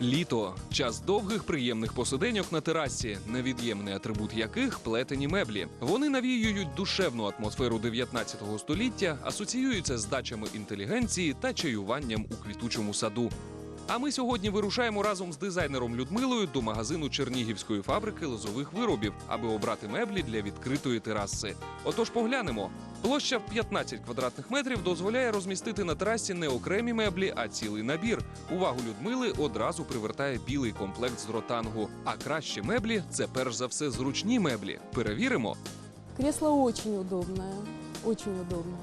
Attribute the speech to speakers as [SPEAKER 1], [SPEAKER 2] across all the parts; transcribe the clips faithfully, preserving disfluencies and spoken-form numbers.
[SPEAKER 1] Літо – час довгих приємних посиденьок на терасі, невід'ємний атрибут яких – плетені меблі. Вони навіюють душевну атмосферу дев'ятнадцятого століття, асоціюються з дачами інтелігенції та чаюванням у квітучому саду. А ми сьогодні вирушаємо разом з дизайнером Людмилою до магазину Чернігівської фабрики лозових виробів, аби обрати меблі для відкритої тераси. Отож поглянемо. Площа в п'ятнадцять квадратних метрів дозволяє розмістити на терасі не окремі меблі, а цілий набір. Увагу Людмили одразу привертає білий комплект з ротангу. А кращі меблі – це перш за все зручні меблі. Перевіримо.
[SPEAKER 2] Кресло очень удобное, очень удобное.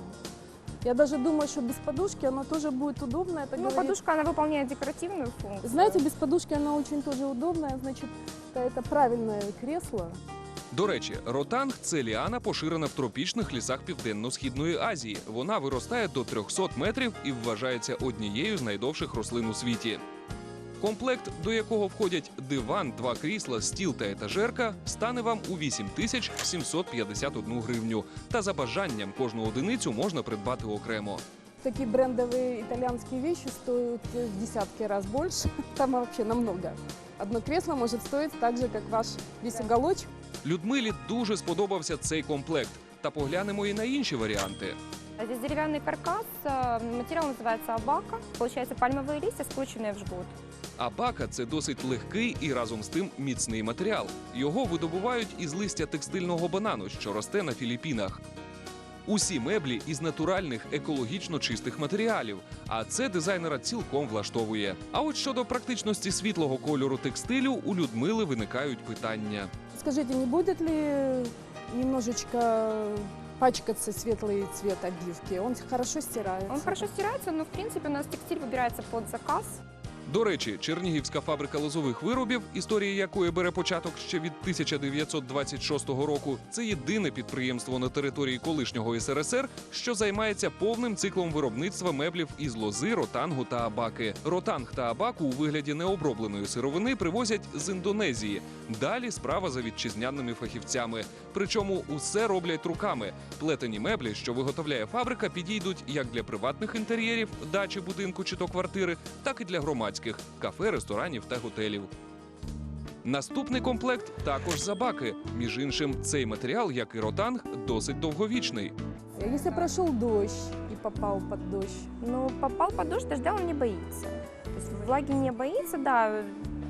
[SPEAKER 2] Я даже думаю, что без подушки оно тоже будет удобно. Это
[SPEAKER 3] Ну,
[SPEAKER 2] говорит...
[SPEAKER 3] подушка, она выполняет декоративную функцию.
[SPEAKER 2] Знаете, без подушки оно очень тоже удобное, значит, это правильное кресло.
[SPEAKER 1] До речі, ротанг – це ліана, поширена в тропічних лісах Південно-Східної Азії. Вона виростає до трьохсот метрів і вважається однією з найдовших рослин у світі. Комплект, до якого входять диван, два крісла, стіл та етажерка, стане вам у вісім тисяч сімсот п'ятдесят одну гривню. Та за бажанням кожну одиницю можна придбати окремо.
[SPEAKER 2] Такие брендовые итальянские вещи стоят в десятки раз больше. Там вообще намного. Одно кресло может стоить так же, как ваш весь уголочек.
[SPEAKER 1] Людмилі дуже сподобався цей комплект. Та поглянемо і на інші варіанти.
[SPEAKER 3] Здесь деревянный каркас, э, материал называется абака. Получается пальмовые листья, скрученные в жгут.
[SPEAKER 1] Абака – це досить легкий і разом з тим міцний матеріал. Його видобувають із листя текстильного банану, що росте на Філіппінах. Усі меблі із натуральних, екологічно чистих матеріалів. А це дизайнера цілком влаштовує. А от щодо практичності світлого кольору текстилю, у Людмили виникають питання.
[SPEAKER 2] Скажите, не будет ли немножечко пачкаться светлый цвет обивки? Он хорошо стирается.
[SPEAKER 3] Он хорошо стирается, но в принципе у нас текстиль выбирается под заказ.
[SPEAKER 1] До речі, Чернігівська фабрика лозових виробів, історія якої бере початок ще від тисяча дев'ятсот двадцять шостого року, це єдине підприємство на території колишнього ес ер ес ер, що займається повним циклом виробництва меблів із лози, ротангу та абаки. Ротанг та абаку у вигляді необробленої сировини привозять з Індонезії. Далі справа за вітчизняними фахівцями. Причому усе роблять руками. Плетені меблі, що виготовляє фабрика, підійдуть як для приватних інтер'єрів, дачі, будинку чи то квартири, так і для громадських – кафе, ресторанів та готелів. Наступний комплект також з абаки. Між іншим, цей матеріал, як і ротанг, досить довговічний.
[SPEAKER 2] Если прошел дождь и попал под дождь,
[SPEAKER 3] Ну, попал под дождь, дождя он не боится. То есть влаги не боится, да.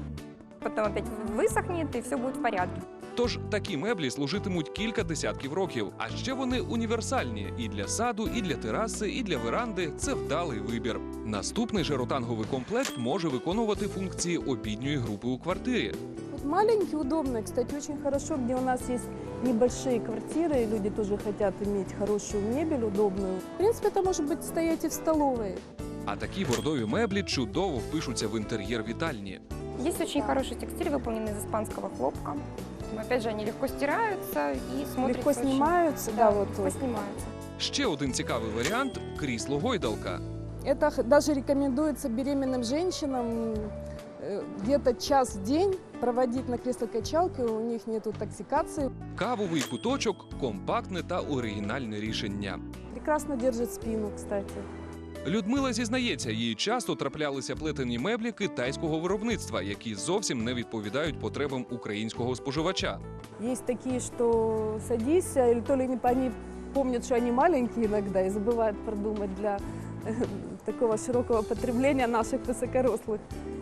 [SPEAKER 3] Потом опять высохнет, и все будет в порядке.
[SPEAKER 1] Тож такі меблі служитимуть кілька десятків років. А ще вони універсальні – і для саду, і для тераси, і для веранди – це вдалий вибір. Наступний же ротанговий комплект може виконувати функції обідньої групи у квартирі.
[SPEAKER 2] вот маленький, удобный, кстати, очень хорошо, где у нас есть небольшие квартиры, и люди тоже хотят иметь хорошую мебель, удобную. В принципе, это может быть стоять и в столовой.
[SPEAKER 1] А такі бордові меблі чудово впишуться в інтер'єр вітальні.
[SPEAKER 3] Есть очень хороший текстиль, выполненный из испанского хлопка. Опять же, они легко стираются и смотрятся
[SPEAKER 2] Легко
[SPEAKER 3] очень-
[SPEAKER 2] снимаются, да,
[SPEAKER 3] Да,
[SPEAKER 2] вот.
[SPEAKER 3] легко снимаются.
[SPEAKER 1] Ще один цікавий варіант – крісло-гойдалка.
[SPEAKER 2] Это х- даже рекомендуется беременным женщинам э, где-то час в день проводить на кресло-качалке, у них нету токсикации.
[SPEAKER 1] Кавовий куточок – компактне та оригінальне рішення.
[SPEAKER 2] Прекрасно держит спину, кстати.
[SPEAKER 1] Людмила зізнається, їй часто траплялися плетені меблі китайського виробництва, які зовсім не відповідають потребам українського споживача.
[SPEAKER 2] Есть такие, что садись, а или то ли не- они помнят, что они маленькие иногда и забывают продумать для э, такого широкого потребления наших высокорослых.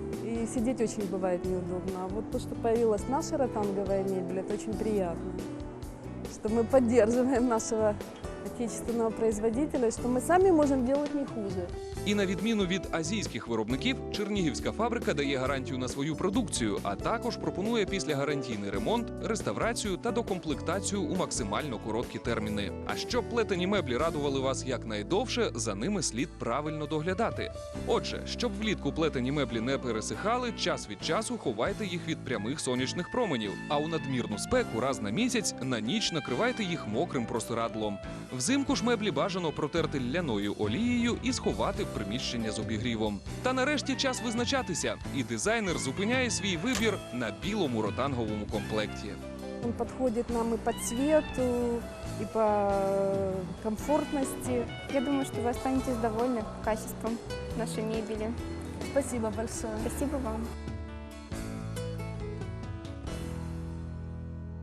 [SPEAKER 2] И сидеть очень бывает неудобно. А вот то, что появилась наша ротанговая мебель, это очень приятно. Что мы поддерживаем нашего отечественного производителя, что мы сами можем делать не хуже.
[SPEAKER 1] І на відміну від азійських виробників, Чернігівська фабрика дає гарантію на свою продукцію, а також пропонує післягарантійний ремонт, реставрацію та докомплектацію у максимально короткі терміни. А щоб плетені меблі радували вас якнайдовше, за ними слід правильно доглядати. Отже, щоб влітку плетені меблі не пересихали, час від часу ховайте їх від прямих сонячних променів, а у надмірну спеку раз на місяць на ніч накривайте їх мокрим простирадлом. Взимку ж меблі бажано протерти ляною олією і сховати в приміщення з обігрівом. Та нарешті час визначатися, і дизайнер зупиняє свій вибір на білому ротанговому комплекті.
[SPEAKER 2] Он подходит нам и по цвету, и по комфортности.
[SPEAKER 3] Я думаю, что вы останетесь довольны качеством нашей мебели.
[SPEAKER 2] Спасибо большое.
[SPEAKER 3] Спасибо вам.